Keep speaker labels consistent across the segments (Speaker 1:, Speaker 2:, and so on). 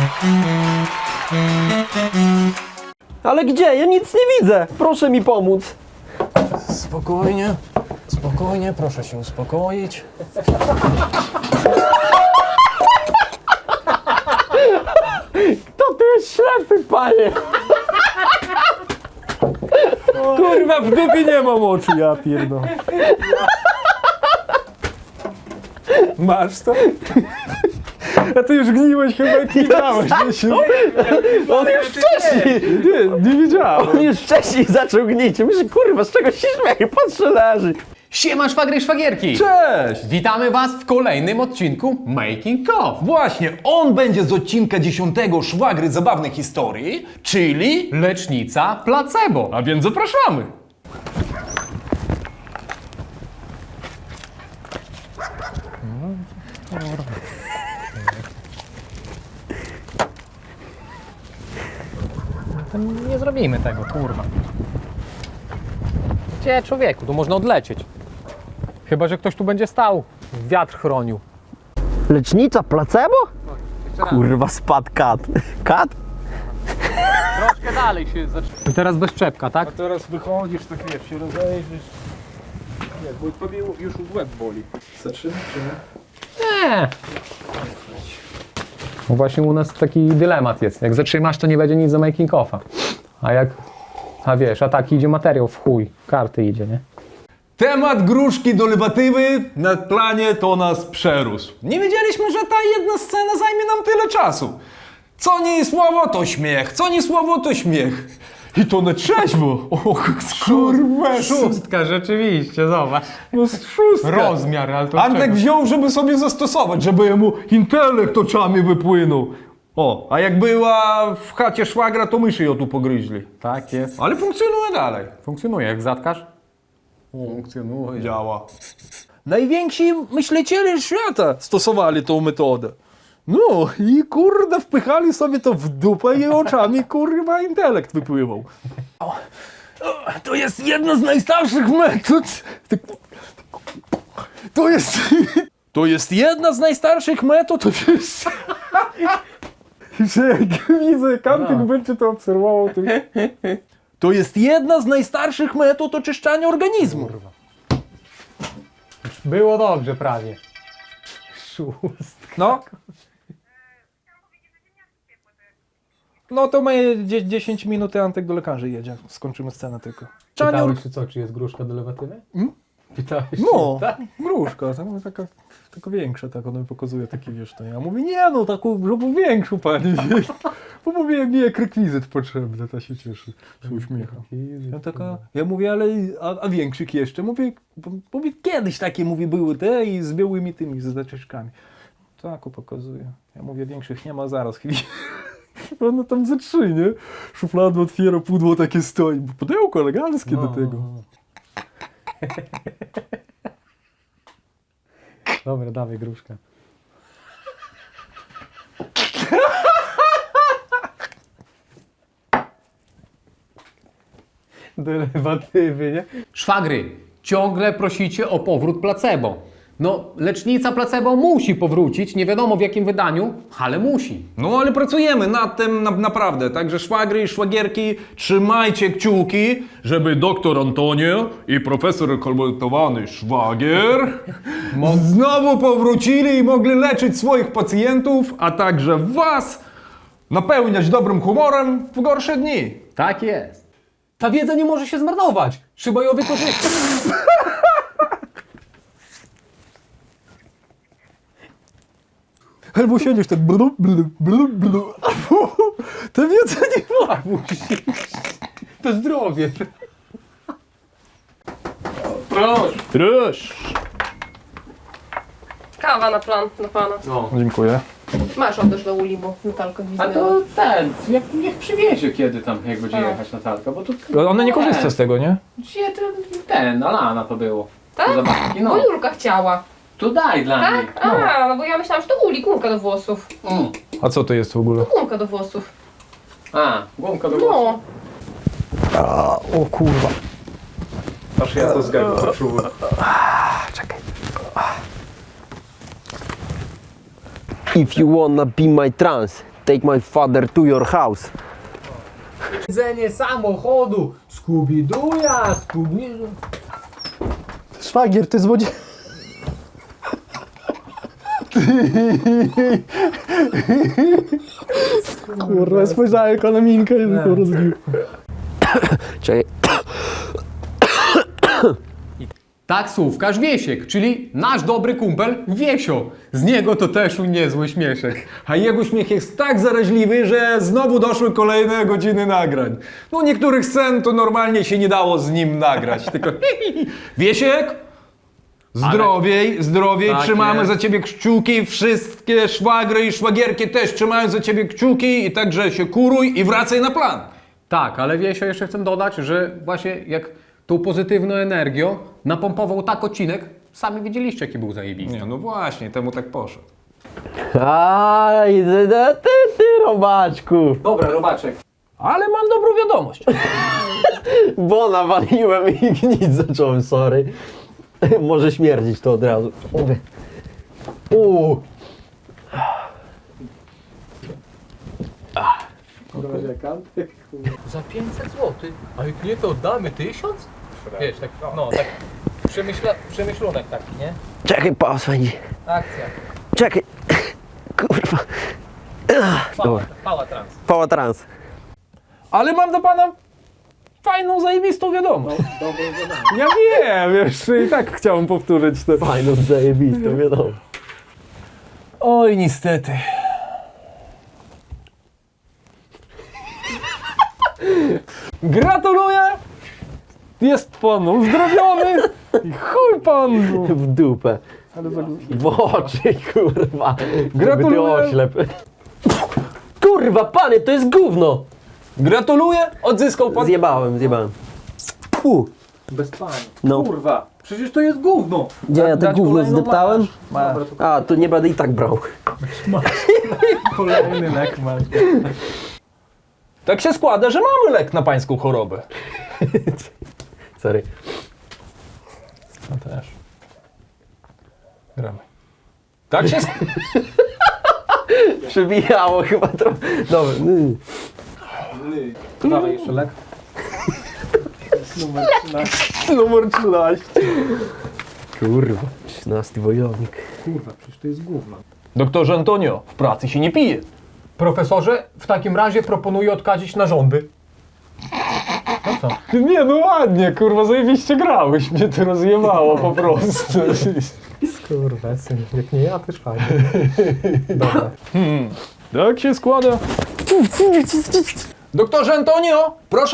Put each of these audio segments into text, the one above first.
Speaker 1: Ale gdzie? Ja nic nie widzę. Proszę mi pomóc.
Speaker 2: Spokojnie, spokojnie, proszę się uspokoić.
Speaker 1: To ty jest ślepy, panie.
Speaker 2: Kurwa, w dupie nie mam oczu, ja pierdolę. Masz to? A ty już gniłeś chyba jak widziałeś, Wiesiu.
Speaker 1: On już wcześniej.
Speaker 2: Nie widziałem.
Speaker 1: On już wcześniej zaczął gnić. Myślę, kurwa, z czego się śmieje? Patrzę, leży.
Speaker 3: Siema szwagry i szwagierki!
Speaker 2: Cześć!
Speaker 3: Witamy Was w kolejnym odcinku Making of.
Speaker 4: Właśnie, on będzie z odcinka 10 Szwagry Zabawnych Historii, czyli...
Speaker 3: Lecznica placebo.
Speaker 4: A więc zapraszamy!
Speaker 3: Nie zrobimy tego, kurwa. Gdzie, człowieku? Tu można odlecieć. Chyba że ktoś tu będzie stał. Wiatr chronił.
Speaker 1: Lecznica placebo? Kurwa, spadł kat. Kat?
Speaker 3: Troszkę dalej się zaczyna. I teraz bez czepka, tak?
Speaker 2: A teraz wychodzisz, tak wiesz, się rozejrzysz. Nie, bo tobie już łeb boli. Zaczyna czy nie?
Speaker 3: Nie. No właśnie u nas taki dylemat jest. Jak zatrzymasz, to nie będzie nic do making offa. A wiesz, a tak idzie materiał w chuj. Karty idzie, nie?
Speaker 4: Temat gruszki do lewatywy na planie to nas przerósł. Nie wiedzieliśmy, że ta jedna scena zajmie nam tyle czasu. Co nie słowo, to śmiech. Co nie słowo, to śmiech. I to na trzeźwo. Och, skurwa.
Speaker 3: Szóstka, rzeczywiście, zobacz.
Speaker 4: No szóstka.
Speaker 3: Rozmiar, ale to
Speaker 4: Antek wziął, żeby sobie zastosować, żeby jemu intelekt oczami wypłynął. O, a jak była w chacie szwagra, to myszy ją tu pogryźli.
Speaker 3: Tak jest.
Speaker 4: Ale funkcjonuje dalej.
Speaker 3: Funkcjonuje, jak zatkasz.
Speaker 4: Funkcjonuje. Działa.
Speaker 2: Najwięksi myśliciele świata stosowali tą metodę. No i kurde wpychali sobie to w dupę i oczami kurwa intelekt wypływał. To jest jedna z najstarszych metod. To jest jedna z najstarszych metod. To jest... Że jak widzę, Kantyk będzie to obserwował. To jest jedna z najstarszych metod oczyszczania organizmu.
Speaker 3: Było dobrze prawie.
Speaker 2: No. No to my 10 minut i Antek do lekarzy jedzie. Skończymy scenę tylko.
Speaker 3: Pytałeś, czy jest gruszka do lewatywy? Pytałeś,
Speaker 2: No,
Speaker 3: tak?
Speaker 2: gruszka, taka większa, tak ona mi pokazuje taki, wiesz, to ja mówię, nie no, taką, żeby większą pani, bo mówię, nie, jak rekwizyt potrzebny, ta się cieszy, się uśmiecha. Ja mówię, ale, a większych jeszcze? Mówię, kiedyś takie, mówię, były te i z białymi tymi, z zacieczkami. Tak, pokazuje. Ja mówię, większych nie ma, zaraz chwilę. Ona tam ze 3, nie? Szufladę otwiera, pudło takie stoi, pudełko eleganckie do tego.
Speaker 3: Dobra, dawaj gruszkę. Do lewatywy, nie? Szwagry, ciągle prosicie o powrót placebo. No, lecznica placebo musi powrócić, nie wiadomo w jakim wydaniu, ale musi.
Speaker 4: No ale pracujemy nad tym naprawdę, także szwagry i szwagierki, trzymajcie kciuki, żeby doktor Antonio i profesor kolportowany szwagier znowu powrócili i mogli leczyć swoich pacjentów, a także was napełniać dobrym humorem w gorsze dni.
Speaker 3: Tak jest. Ta wiedza nie może się zmarnować. Trzeba ją wykorzystać.
Speaker 2: Albo siedzisz tak blu, blu, blu, blu. To wiedza nie ma.
Speaker 3: To zdrowie.
Speaker 4: Proszę.
Speaker 5: Kawa na plan, na pana.
Speaker 2: Dziękuję.
Speaker 5: Masz oddać do uli, bo Natalka
Speaker 3: A
Speaker 5: gwizdnęła.
Speaker 3: to ten, niech przywiezie kiedy tam, jak będzie jechać Natalka, bo to...
Speaker 2: Ona nie korzysta z tego, nie?
Speaker 3: Gdzie ten, Alana to było.
Speaker 5: Tak?
Speaker 3: Zabawki,
Speaker 5: Bo Julka chciała.
Speaker 3: Tu daj dla niej.
Speaker 5: Tak? A, no bo ja myślałam, że to uli, gumka do włosów.
Speaker 2: A co to jest w ogóle?
Speaker 5: Gumka do włosów.
Speaker 3: A, gumka do głosu.
Speaker 5: No.
Speaker 2: O kurwa.
Speaker 4: Aż ja to zgadzam, poczułem.
Speaker 2: Czekaj.
Speaker 1: If you wanna be my trans, Take my father to your house.
Speaker 3: Jedzenie samochodu, Scooby-Dooja, Scooby...
Speaker 2: Szwagier, ty złodziej... Kurwa, spojrzałem jako na minkę i tylko rozbił.
Speaker 1: Czekaj.
Speaker 3: Taksówkarz Wiesiek, czyli nasz dobry kumpel Wiesio. Z niego to też niezły śmieszek.
Speaker 4: A jego śmiech jest tak zaraźliwy, że znowu doszły kolejne godziny nagrań. No niektórych scen to normalnie się nie dało z nim nagrać, tylko Wiesiek, zdrowiej,
Speaker 3: Tak
Speaker 4: trzymamy
Speaker 3: jest.
Speaker 4: za ciebie kciuki, wszystkie szwagry i szwagierki też trzymają za ciebie kciuki i także się kuruj i wracaj na plan.
Speaker 3: Tak, ale Wiesio, jeszcze chcę dodać, że właśnie jak tą pozytywną energią napompował tak odcinek, sami widzieliście, jaki był zajebisty.
Speaker 4: Nie, no właśnie, temu tak poszedł.
Speaker 1: Aj, ty, robaczku.
Speaker 3: Dobra, robaczek.
Speaker 2: Ale mam dobrą wiadomość.
Speaker 1: Bo nawaliłem i gnić zacząłem, sorry. Może śmierdzić to od razu.
Speaker 3: Za 500 zł? A jak nie, to oddamy 1000? Wiesz, tak, no, tak przemyślunek taki, nie?
Speaker 1: Czekaj, paswędzi.
Speaker 3: Akcja.
Speaker 1: Czekaj. Kurwa. Dobra.
Speaker 3: Pała trans.
Speaker 1: Pała trans.
Speaker 2: Ale mam do pana fajną, zajebistą wiadomość. Ja wiem, wiesz, i tak chciałem powtórzyć to.
Speaker 1: Fajno, zajebiste, wiadomo.
Speaker 2: Oj, niestety. Gratuluję! Jest pan uzdrowiony i chuj panu!
Speaker 1: W dupę. W oczy, kurwa.
Speaker 2: Gratuluję.
Speaker 1: Żeby ty oślep. Kurwa, panie, to jest gówno.
Speaker 2: Gratuluję! Odzyskał pan...
Speaker 1: Zjebałem. Puh.
Speaker 2: Bez pani.
Speaker 1: No.
Speaker 2: Kurwa, przecież to jest gówno.
Speaker 1: Gdzie ja to
Speaker 2: Dać
Speaker 1: gówno
Speaker 2: kolejną
Speaker 1: zdeptałem?
Speaker 2: masz.
Speaker 1: A, to nie będę i tak brał.
Speaker 2: Kolejny lek masz. Tak się składa, że mamy lek na pańską chorobę.
Speaker 1: Sorry.
Speaker 2: No też. Gramy. Tak się składa.
Speaker 1: Przebijało chyba trochę. Dobra.
Speaker 2: Dawaj jeszcze lek. Numer 13.
Speaker 1: Kurwa, 13 wojownik.
Speaker 2: Kurwa, przecież to jest gówno.
Speaker 4: Doktorze Antonio, w pracy się nie pije.
Speaker 3: Profesorze, w takim razie proponuję odkazić narządy. No co?
Speaker 2: Nie, no ładnie, kurwa, zajebiście grałeś. Mnie to rozjebało po prostu. Kurwa, syn, jak nie ja, też fajnie. Dobra. Tak się składa.
Speaker 4: Doktorze Antonio, proszę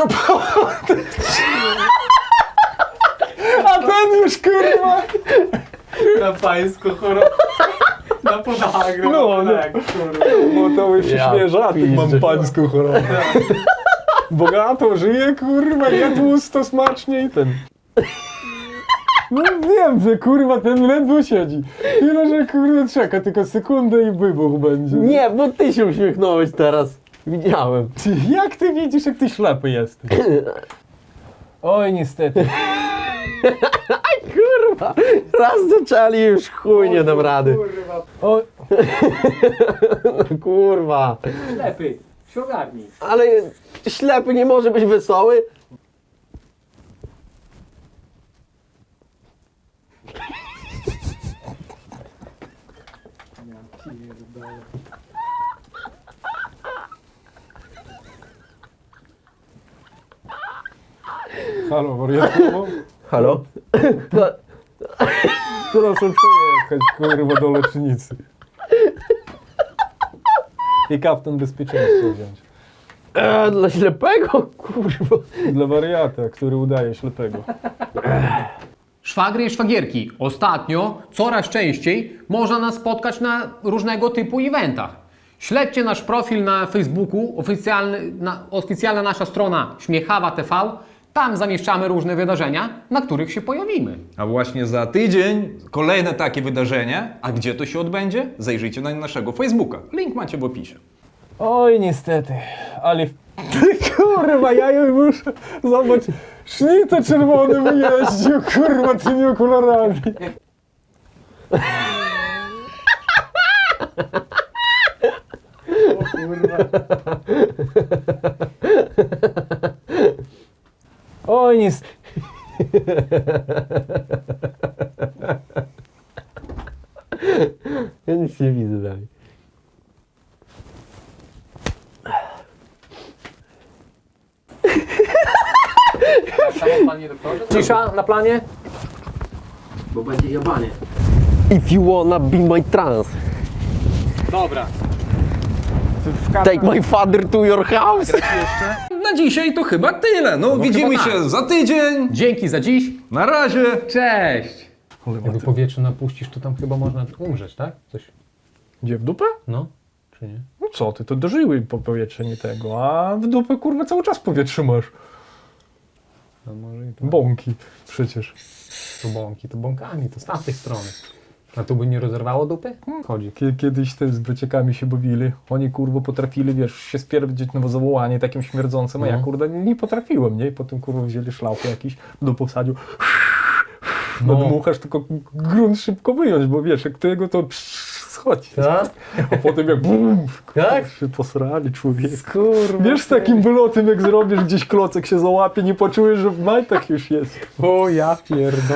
Speaker 2: A ten już, kurwa.
Speaker 3: Na pańską chorobę. Na podagrę.
Speaker 2: No, no. Bo to już
Speaker 1: Ja
Speaker 2: świeżaty, mam
Speaker 1: pizdzę.
Speaker 2: pańską chorobę. Bogato żyje, kurwa, je tłusto, smacznie i ten. No wiem, że kurwa ten ledwo siedzi. Tyle, że kurwa czeka tylko sekundę i wybuch będzie.
Speaker 1: Nie, bo ty się uśmiechnąłeś teraz. Widziałem.
Speaker 2: Ty, jak ty widzisz, jak ty ślepy jesteś? Oj, niestety.
Speaker 1: Kurwa, raz zaczęli już chuj nie dam rady.
Speaker 2: O,
Speaker 1: No kurwa.
Speaker 3: Lepiej, w ksiągarni.
Speaker 1: Ale ślepy nie może być wesoły.
Speaker 2: halo, wariatkowo?
Speaker 1: Halo?
Speaker 2: Proszę przyjechać, kurwa, do lecznicy. I kapten bezpieczeństwa wziąć.
Speaker 1: Dla ślepego? Kurwa.
Speaker 2: Dla wariata, który udaje ślepego.
Speaker 3: Szwagry i szwagierki. Ostatnio, coraz częściej, można nas spotkać na różnego typu eventach. Śledźcie nasz profil na Facebooku, oficjalna nasza strona Śmiechawa TV. Tam zamieszczamy różne wydarzenia, na których się pojawimy.
Speaker 4: A właśnie za tydzień kolejne takie wydarzenie. A gdzie to się odbędzie? Zajrzyjcie na naszego Facebooka. Link macie w opisie.
Speaker 2: Oj, niestety, ale... Kurwa, ja już muszę... Zobacz, sznicę czerwony wyjeździł, kurwa, tymi okularami. kurwa. Oj, nic.
Speaker 1: Ja nic nie widzę dalej.
Speaker 3: Cisza na planie?
Speaker 1: Bo będzie jebanie. If you wanna be my trans,
Speaker 3: Dobra.
Speaker 1: take my father to your house.
Speaker 4: Na dzisiaj to chyba tyle. No, widzimy
Speaker 3: chyba tak.
Speaker 4: się za tydzień.
Speaker 3: Dzięki za dziś.
Speaker 4: Na razie.
Speaker 3: Cześć. Jakby powietrze napuścisz, to tam chyba można umrzeć, tak? Coś.
Speaker 2: Gdzie, w dupę?
Speaker 3: No, czy nie?
Speaker 2: No co ty, to dożyły po powietrzenie tego, a w dupę kurwa cały czas powietrze masz.
Speaker 3: No może i to.
Speaker 2: Bąki przecież.
Speaker 3: To bąki, to bąkami, to z tamtej strony. A tu by nie rozerwało dupy? Chodzi.
Speaker 2: Kiedyś te z braciakami się bawili. Oni kurwa potrafili, wiesz, się spierdzieć na zawołanie takim śmierdzącym, a ja kurwa nie potrafiłem, nie? I potem kurwa wzięli szlauch jakiś do posadziu. Nadmuchasz, tylko grunt szybko wyjąć, bo wiesz, jak tego to schodzi.
Speaker 3: Tak?
Speaker 2: A potem jak bum,
Speaker 3: Tak?
Speaker 2: się posrali człowiek.
Speaker 3: Kurwa.
Speaker 2: Wiesz, z takim wylotem jak zrobisz, gdzieś klocek się załapie, nie poczujesz, że w majtach już jest.
Speaker 3: O ja pierdolę.